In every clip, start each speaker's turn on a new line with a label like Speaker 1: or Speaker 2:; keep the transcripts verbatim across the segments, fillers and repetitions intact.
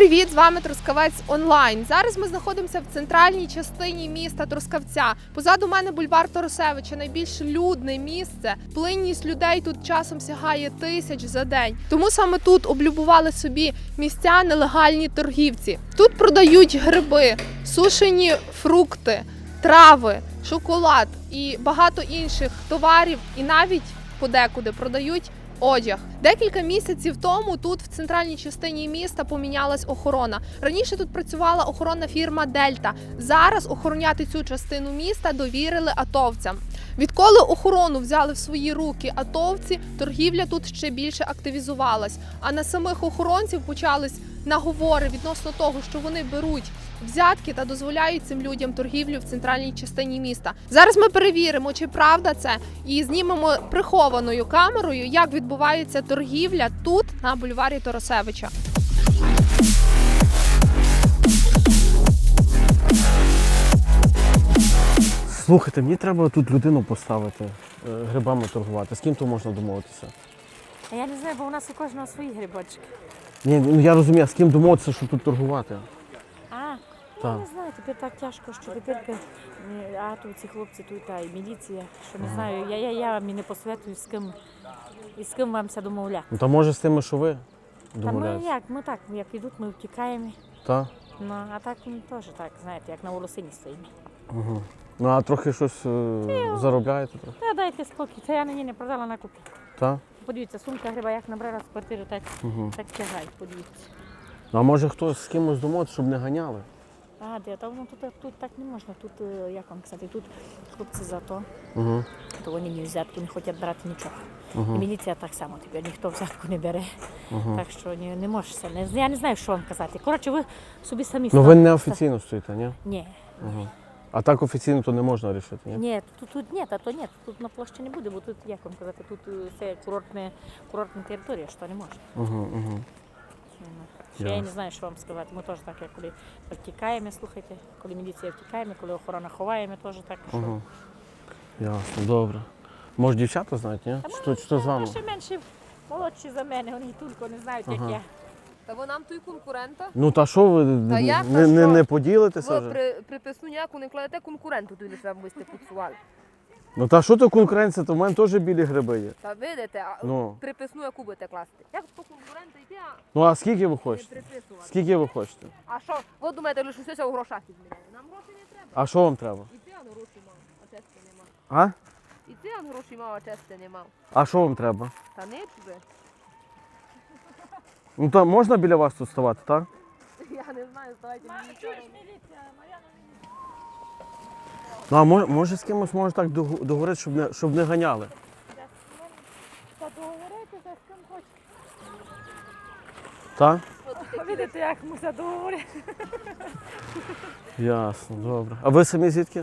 Speaker 1: привіт! З вами Трускавець онлайн. Зараз ми знаходимося в центральній частині міста Трускавця. Позаду мене бульвар Торосевича, найбільш людне місце. Плинність людей тут часом сягає тисяч за день. Тому саме тут облюбували собі місця нелегальні торгівці. Тут продають гриби, сушені фрукти, трави, шоколад і багато інших товарів, і навіть подекуди продають одяг. Декілька місяців тому тут в центральній частині міста помінялась охорона. Раніше тут працювала охоронна фірма Дельта. Зараз охороняти цю частину міста довірили атовцям. Відколи охорону взяли в свої руки атовці, торгівля тут ще більше активізувалась. А на самих охоронців почались наговори відносно того, що вони беруть взятки та дозволяють цим людям торгівлю в центральній частині міста. Зараз ми перевіримо, чи правда це, і знімемо прихованою камерою, як відбувається торгівля тут, на бульварі Торосевича.
Speaker 2: Слухайте, мені треба тут людину поставити, грибами торгувати. З ким то можна домовитися?
Speaker 3: Я не знаю, бо у нас у кожного свої грибочки.
Speaker 2: Ні, ну я розумію, а з ким домовитися, щоб тут торгувати?
Speaker 3: А,
Speaker 2: Так.
Speaker 3: я не знаю, тепер так тяжко, що тепер, е, а тут ці хлопці тут, а і міліція, що не знаю, я, я, я вам і не посоветую, з ким, і з ким вам це домовляти.
Speaker 2: Ну та може з тими, що ви
Speaker 3: Та ми
Speaker 2: домовляєтеся?
Speaker 3: як, ми так, як йдуть, ми втікаємо,
Speaker 2: Так?
Speaker 3: ну, а так ми теж так, знаєте, як на волосині стоїмо.
Speaker 2: Угу. Ну а трохи щось е, заробляєте? Трохи?
Speaker 3: Та дайте спокій, це я нині не продала на купі.
Speaker 2: Так?
Speaker 3: Подивіться, сумка гриба, як набрала з квартири, так,
Speaker 2: Угу.
Speaker 3: так тягай, подивіться.
Speaker 2: Ну а може хтось з кимось домовитися, щоб не ганяли?
Speaker 3: А, де, та воно тут, тут так не можна, тут, е, як вам казати, тут хлопці зато,
Speaker 2: Угу.
Speaker 3: то вони не взятку не хочуть брати нічого.
Speaker 2: Угу.
Speaker 3: І міліція так само, тепер ніхто взятку не бере.
Speaker 2: Угу.
Speaker 3: Так що не, не можеш, не, я не знаю, що вам казати. Коротше, ви собі самі
Speaker 2: Ну ви
Speaker 3: ставите.
Speaker 2: не офіційно стоїте, ні?
Speaker 3: Ні.
Speaker 2: Угу. А так офіційно то не можна рішити, ні?
Speaker 3: Ні, тут, тут ні, та то ні, тут на площі не буде, бо тут, як вам казати, тут е, це курортне, курортна територія, що не можна.
Speaker 2: Угу, угу.
Speaker 3: Що я
Speaker 2: Ясно.
Speaker 3: не знаю, що вам сказати. Ми теж так, як коли втікаємо, слухайте, коли міліція втікає, коли охорона ховає, ми теж так. Що...
Speaker 2: Угу. Ясно, добре. Може дівчата знають, ні?
Speaker 3: Та
Speaker 2: Що,
Speaker 3: ми-
Speaker 2: що з вами?
Speaker 3: Ще менше молодші за мене, вони і тільки не знають,
Speaker 2: Ага.
Speaker 3: як я.
Speaker 1: Та ви нам той конкурента?
Speaker 2: Ну та що ви
Speaker 4: Та як,
Speaker 2: не,
Speaker 4: та
Speaker 2: не,
Speaker 4: що?
Speaker 2: не поділитеся
Speaker 4: Ви
Speaker 2: вже?
Speaker 4: при, приписну ніяку не кладете конкуренту, туди щоб ви сте пуцували.
Speaker 2: Ну та що то конкуренція, то в мене теж білі гриби є.
Speaker 4: Та видите, а
Speaker 2: Ну.
Speaker 4: приписну яку будете класти. Як по конкурента йти, а
Speaker 2: Ну а скільки ви
Speaker 4: не
Speaker 2: хочете?
Speaker 4: приписувати.
Speaker 2: Скільки ви хочете?
Speaker 4: А що, ви думаєте, що щось у грошах відміняє? Нам грошей не треба.
Speaker 2: А що вам треба?
Speaker 4: І ти ан гроші мав, а чести не мав.
Speaker 2: А?
Speaker 4: І ти ан гроші мав, а чести не мав.
Speaker 2: А що вам треба?
Speaker 4: Та не чуде.
Speaker 2: Ну то можна біля вас тут ставати, так?
Speaker 4: Я не знаю, давайте мені нічого.
Speaker 2: Ну а може, може з кимось може так догу- договорити, щоб не, щоб не ганяли?
Speaker 3: Та договоритися з ким хочете.
Speaker 2: Так?
Speaker 3: Видите, як ми це договорили.
Speaker 2: Ясно, добре. А ви самі звідки?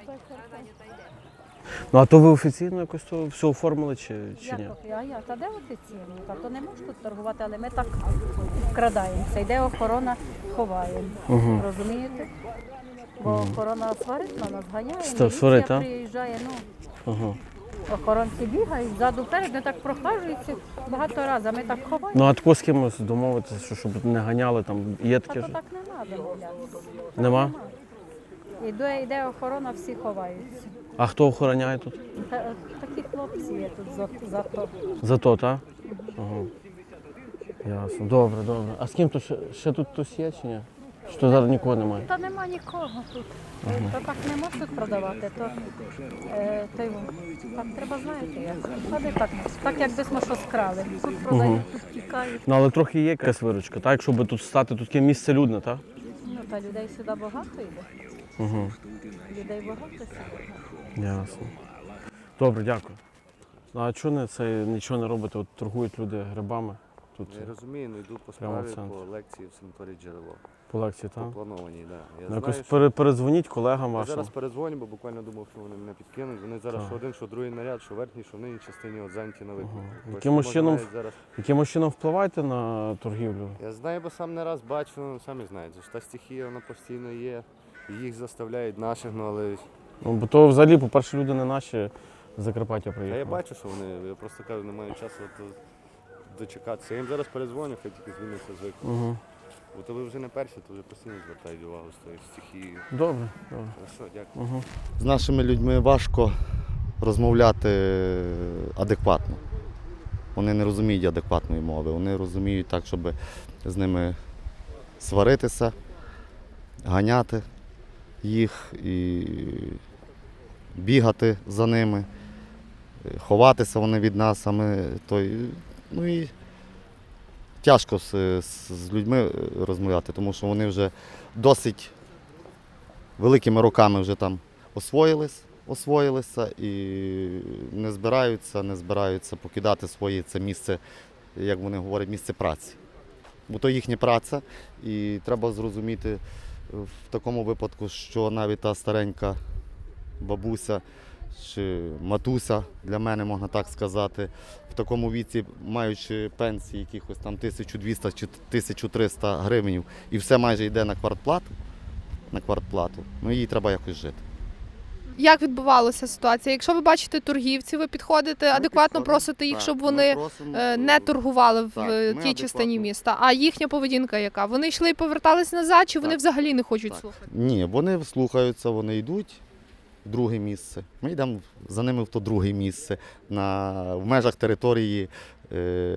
Speaker 2: Ну а то ви офіційно якось то все оформили чи, чи ні?
Speaker 3: Як, а я, та де офіційно? Та то не можеш тут торгувати, але ми так вкрадаємося. Йде охорона, ховаємо.
Speaker 2: Угу.
Speaker 3: Розумієте? Бо охорона сварить на нас, ганяє,
Speaker 2: Ста-
Speaker 3: міліція
Speaker 2: сварить, а?
Speaker 3: приїжджає, ну,
Speaker 2: Ага.
Speaker 3: охоронці бігають, ззаду вперед, не так прохажуються багато разів, а ми так ховаємо.
Speaker 2: Ну а тако з кимось домовитися, що щоб не ганяли, там є
Speaker 3: А
Speaker 2: таке
Speaker 3: то
Speaker 2: ж?
Speaker 3: так не треба гуляти.
Speaker 2: Нема?
Speaker 3: Йде, йде охорона, всі ховаються.
Speaker 2: А хто охороняє тут?
Speaker 3: Та, такі хлопці є тут за, за то.
Speaker 2: Зато, так? Ага. Ясно. Добре, добре. А з ким то ще, ще тут хтось є чи ні? Що зараз нікого немає?
Speaker 3: Та нема нікого тут. То так не можна тут продавати, то, е, то й во. Так треба, знаєте, як. А де так, так як десь ми що скрали. Тут продають, тут тікають.
Speaker 2: Ну але трохи є якась виручка, так? Щоб тут стати, тут таке місце людне, так?
Speaker 3: Ну та людей сюди багато йде.
Speaker 2: Угу.
Speaker 3: Людей багато сюди.
Speaker 2: Ясно. Добре, дякую. Ну, а чого не це нічого не робите? От торгують люди грибами тут
Speaker 5: Я розумію, ну йду по
Speaker 2: Прямо в
Speaker 5: справі
Speaker 2: центр.
Speaker 5: по лекції в санаторії джерело.
Speaker 2: по лекції,
Speaker 5: По
Speaker 2: так?
Speaker 5: планованій, так. Да. Я
Speaker 2: Ну, якось
Speaker 5: знаю, що...
Speaker 2: пере- передзвоніть колегам
Speaker 5: Я
Speaker 2: вашим.
Speaker 5: зараз перезвоню, бо буквально думав, що вони мене підкинуть. Вони зараз
Speaker 2: Так.
Speaker 5: що один, що другий наряд, що верхній, що в нижній частині от зайняті на виклик.
Speaker 2: Ага.
Speaker 5: Ось
Speaker 2: Якимось
Speaker 5: можна
Speaker 2: чином-
Speaker 5: навіть зараз...
Speaker 2: Якимось чином впливаєте на торгівлю?
Speaker 5: Я знаю, бо сам не раз бачу, ну, самі знаєте, що та стихія вона постійно є. І їх заставляють наших, ну але
Speaker 2: Ну, бо то взагалі, по-перше, люди не наші з Закарпаття
Speaker 5: а
Speaker 2: приїхали.
Speaker 5: я бачу, що вони, я просто кажу, не маю часу от, дочекатися. Я їм зараз перезвоню, хай тільки звільниться з виклику.
Speaker 2: Угу.
Speaker 5: Бо то ви вже не перші, то вже постійно звертають увагу з тої стихії.
Speaker 2: Добре, добре.
Speaker 5: Хорошо, дякую.
Speaker 2: Угу.
Speaker 6: З нашими людьми важко розмовляти адекватно. Вони не розуміють адекватної мови, вони розуміють так, щоб з ними сваритися, ганяти їх і бігати за ними, ховатися вони від нас, а ми той. Ну і тяжко з, з, з людьми розмовляти, тому що вони вже досить великими роками вже там освоїлись, освоїлися і не збираються, не збираються покидати своє це місце, як вони говорять, місце праці. Бо то їхня праця, і треба зрозуміти в такому випадку, що навіть та старенька бабуся чи матуся, для мене можна так сказати, в такому віці, маючи пенсії якихось там тисячу двісті чи тисячу триста гривень, і все майже йде на квартплату, на квартплату, ну їй треба якось жити.
Speaker 1: Як відбувалася ситуація? Якщо ви бачите торгівців, ви підходите, адекватно
Speaker 6: підходимо,
Speaker 1: просите їх,
Speaker 6: так,
Speaker 1: щоб
Speaker 6: ми
Speaker 1: вони
Speaker 6: просимо,
Speaker 1: е, не торгували в
Speaker 6: так,
Speaker 1: е,
Speaker 6: ми
Speaker 1: тій частині
Speaker 6: адекватно.
Speaker 1: міста. А їхня поведінка яка? Вони йшли і повертались назад, чи вони
Speaker 6: Так.
Speaker 1: взагалі не хочуть
Speaker 6: Так.
Speaker 1: слухати?
Speaker 6: Ні, вони слухаються, вони йдуть в друге місце. Ми йдемо за ними в то друге місце, на, в межах території, е,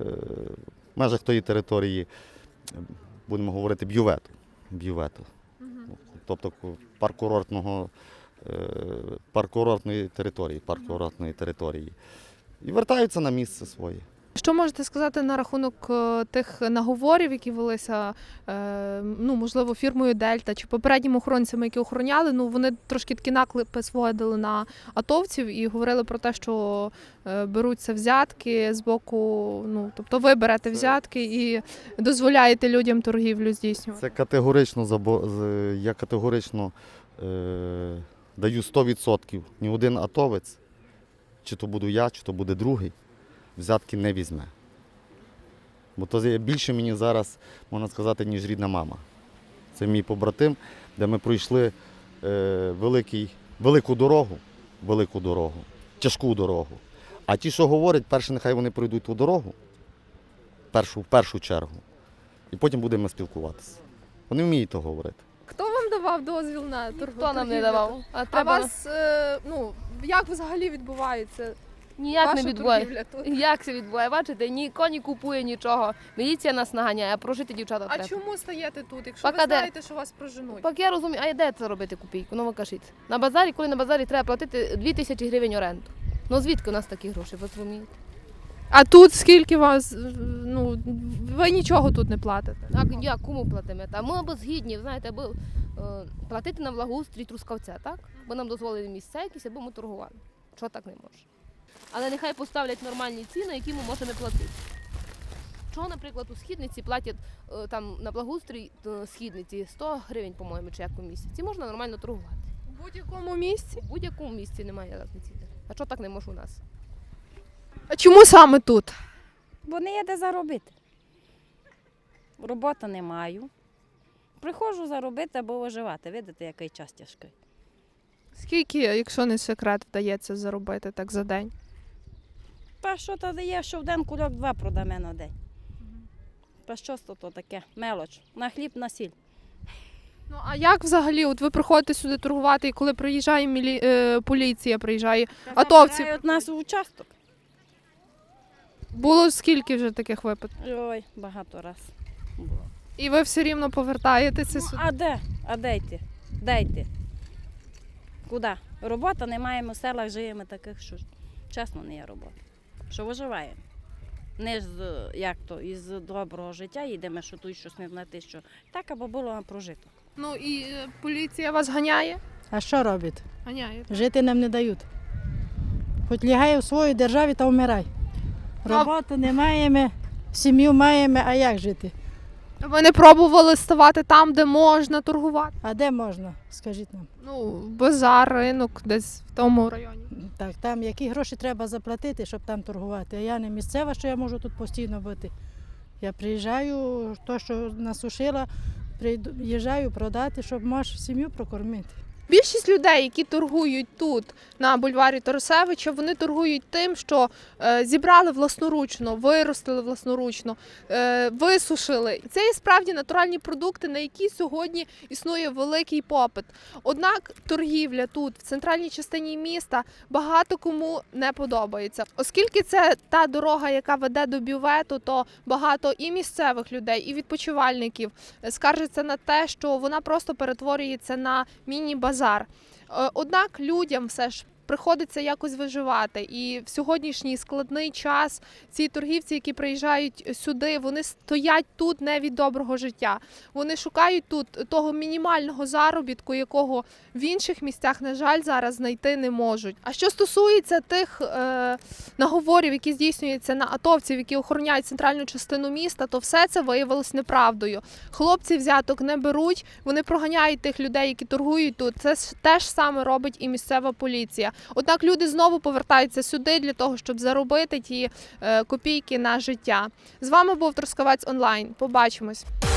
Speaker 6: в межах тої території, будемо говорити, бювету. бювету. Тобто парк-курортного, е, парк-курортної території, парк-курортної території. І вертаються на місце своє.
Speaker 1: Що можете сказати на рахунок е, тих наговорів, які велися, е, ну, можливо, фірмою Дельта чи попередніми охоронцями, які охороняли? Ну, вони трошки такі наклепи сводили на атовців і говорили про те, що е, беруться взятки з боку, ну, тобто ви берете
Speaker 6: Це-
Speaker 1: взятки і дозволяєте людям торгівлю здійснювати.
Speaker 6: Це категорично, забо- з- я категорично е, даю сто відсотків. Ні один атовець, чи то буду я, чи то буде другий, взятки не візьме. Бо то є більше мені зараз, можна сказати, ніж рідна мама. Це мій побратим, де ми пройшли е, великий, велику дорогу, велику дорогу, тяжку дорогу. А ті, що говорять, перше, нехай вони пройдуть ту дорогу, першу, в першу чергу, і потім будемо спілкуватися. Вони вміють то говорити.
Speaker 1: Хто вам давав дозвіл на торгівлю?
Speaker 4: Ніхто нам не давав. А
Speaker 1: А
Speaker 4: треба
Speaker 1: вас, е, ну, як взагалі відбувається
Speaker 4: ніяк
Speaker 1: ваша
Speaker 4: не відбуває.
Speaker 1: торгівля тут?
Speaker 4: Як це відбуває? Бачите, ніхто не купує нічого. Міліція нас наганяє, а прожити дівчата
Speaker 1: А
Speaker 4: треба.
Speaker 1: чому стаєте тут, якщо
Speaker 4: Пока
Speaker 1: ви
Speaker 4: де?
Speaker 1: знаєте, що вас проженуть?
Speaker 4: Так я розумію, а де це робити копійку? Ну ви кажіть. На базарі, коли на базарі треба платити дві тисячі гривень оренду. Ну звідки у нас такі гроші, ви розумієте?
Speaker 1: А тут скільки вас, ну, ви нічого тут не платите?
Speaker 4: А як кому платимо? А ми або згідні, знаєте, або е, платити на благоустрій Трускавця, так? Бо нам дозволили місця якісь, або ми торгували. Що так не може? Але нехай поставлять нормальні ціни, які ми можемо платити. Чого, наприклад, у східниці платять е, там на благоустрій е, східниці сто гривень, по-моєму, чи як у місяці. Можна нормально торгувати.
Speaker 1: У будь-якому місці?
Speaker 4: У будь-якому місці немає різниці. А що так не може у нас?
Speaker 1: А чому саме тут?
Speaker 3: Бо не є де заробити. Роботи не маю. Приходжу заробити або виживати. Видите, який час тяжкий.
Speaker 1: Скільки, якщо не секрет, вдається заробити так за день?
Speaker 3: Та що то дає, що в день кульок два продаме на день. Та що то, то таке? Мелоч. На хліб, на сіль.
Speaker 1: Ну а як взагалі, от ви приходите сюди торгувати, і коли приїжджає мілі... е, поліція, приїжджає атовці?
Speaker 3: Забирають нас у участок.
Speaker 1: Було скільки вже таких випадків?
Speaker 3: Ой, багато раз було.
Speaker 1: І ви все рівно повертаєтеся
Speaker 3: Ну,
Speaker 1: сюди?
Speaker 3: а де? А де йти? Де йти? Куди? Робота не маємо, в селах живемо таких, що чесно не є робота. Що виживаємо. Не з, як то, із доброго життя їдемо, що тут щось не знати, що так або було а прожиток.
Speaker 1: Ну і е, поліція вас ганяє?
Speaker 7: А що робить?
Speaker 1: Ганяє.
Speaker 7: Жити нам не дають. Хоч лягай у своїй державі та вмирай.
Speaker 1: Ну, а-
Speaker 7: Роботи не маємо, сім'ю маємо, а як жити?
Speaker 1: Ви не пробували ставати там, де можна торгувати?
Speaker 7: А де можна, скажіть нам?
Speaker 1: Ну, базар, ринок, десь в тому районі.
Speaker 7: Так, там які гроші треба заплатити, щоб там торгувати. А я не місцева, що я можу тут постійно бути. Я приїжджаю, то, що насушила, приїжджаю продати, щоб можеш сім'ю прокормити.
Speaker 1: Більшість людей, які торгують тут на бульварі Торосевича, вони торгують тим, що е, зібрали власноручно, виростили власноручно, е, висушили. Це є справді натуральні продукти, на які сьогодні існує великий попит. Однак торгівля тут, в центральній частині міста, багато кому не подобається. Оскільки це та дорога, яка веде до бювету, то багато і місцевих людей, і відпочивальників скаржаться на те, що вона просто перетворюється на міні-базар. Е, Однак людям все ж приходиться якось виживати. І в сьогоднішній складний час ці торгівці, які приїжджають сюди, вони стоять тут не від доброго життя. Вони шукають тут того мінімального заробітку, якого в інших місцях, на жаль, зараз знайти не можуть. А що стосується тих е, наговорів, які здійснюються на атовців, які охороняють центральну частину міста, то все це виявилось неправдою. Хлопці взяток не беруть, вони проганяють тих людей, які торгують тут. Це теж саме робить і місцева поліція. Однак люди знову повертаються сюди для того, щоб заробити ті е, копійки на життя. З вами був Трускавець онлайн. Побачимось.